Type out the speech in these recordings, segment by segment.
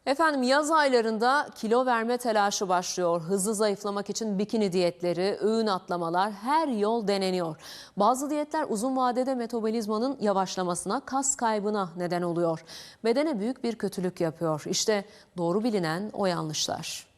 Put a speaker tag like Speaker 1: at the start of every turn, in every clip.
Speaker 1: Efendim yaz aylarında kilo verme telaşı başlıyor. Hızlı zayıflamak için bikini diyetleri, öğün atlamalar her yol deneniyor. Bazı diyetler uzun vadede metabolizmanın yavaşlamasına, kas kaybına neden oluyor. Bedene büyük bir kötülük yapıyor. İşte doğru bilinen o yanlışlar.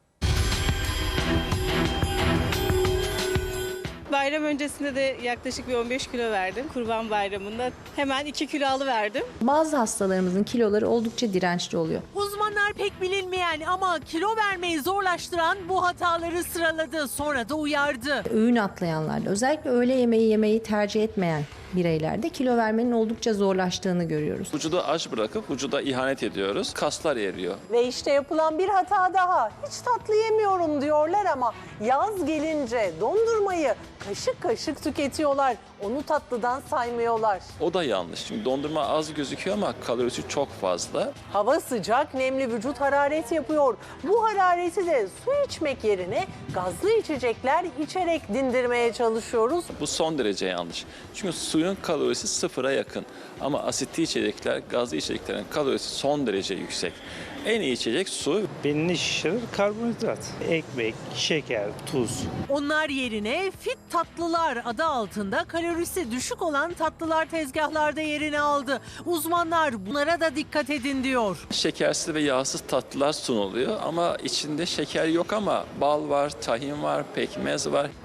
Speaker 2: Bayram öncesinde de yaklaşık bir 15 kilo verdim. Kurban Bayramı'nda hemen 2 kilo alıverdim.
Speaker 3: Bazı hastalarımızın kiloları oldukça dirençli oluyor.
Speaker 4: Uzmanlar pek bilinmeyen ama kilo vermeyi zorlaştıran bu hataları sıraladı. Sonra da uyardı.
Speaker 3: Öğün atlayanlarda, özellikle öğle yemeği yemeyi tercih etmeyen bireylerde kilo vermenin oldukça zorlaştığını görüyoruz.
Speaker 5: Vücudu aç bırakıp vücuda ihanet ediyoruz. Kaslar eriyor.
Speaker 6: Ve işte yapılan bir hata daha. Hiç tatlı yemiyorum diyorlar ama yaz gelince dondurmayı kaşık kaşık tüketiyorlar. Onu tatlıdan saymıyorlar.
Speaker 5: O da yanlış. Çünkü dondurma az gözüküyor ama kalorisi çok fazla.
Speaker 6: Hava sıcak, nemli, vücut hararet yapıyor. Bu harareti de su içmek yerine gazlı içecekler içerek dindirmeye çalışıyoruz.
Speaker 5: Bu son derece yanlış. Çünkü suyun kalorisi sıfıra yakın. Ama asitli içecekler, gazlı içeceklerin kalorisi son derece yüksek. En iyi içecek su.
Speaker 7: Belini şişirir karbonhidrat. Ekmek, şeker, tuz.
Speaker 4: Onlar yerine fit tatlılar adı altında kalorisi düşük olan tatlılar tezgahlarda yerini aldı. Uzmanlar bunlara da dikkat edin diyor.
Speaker 5: Şekersiz ve yağsız tatlılar sunuluyor ama içinde şeker yok ama bal var, tahin var, pekmez var.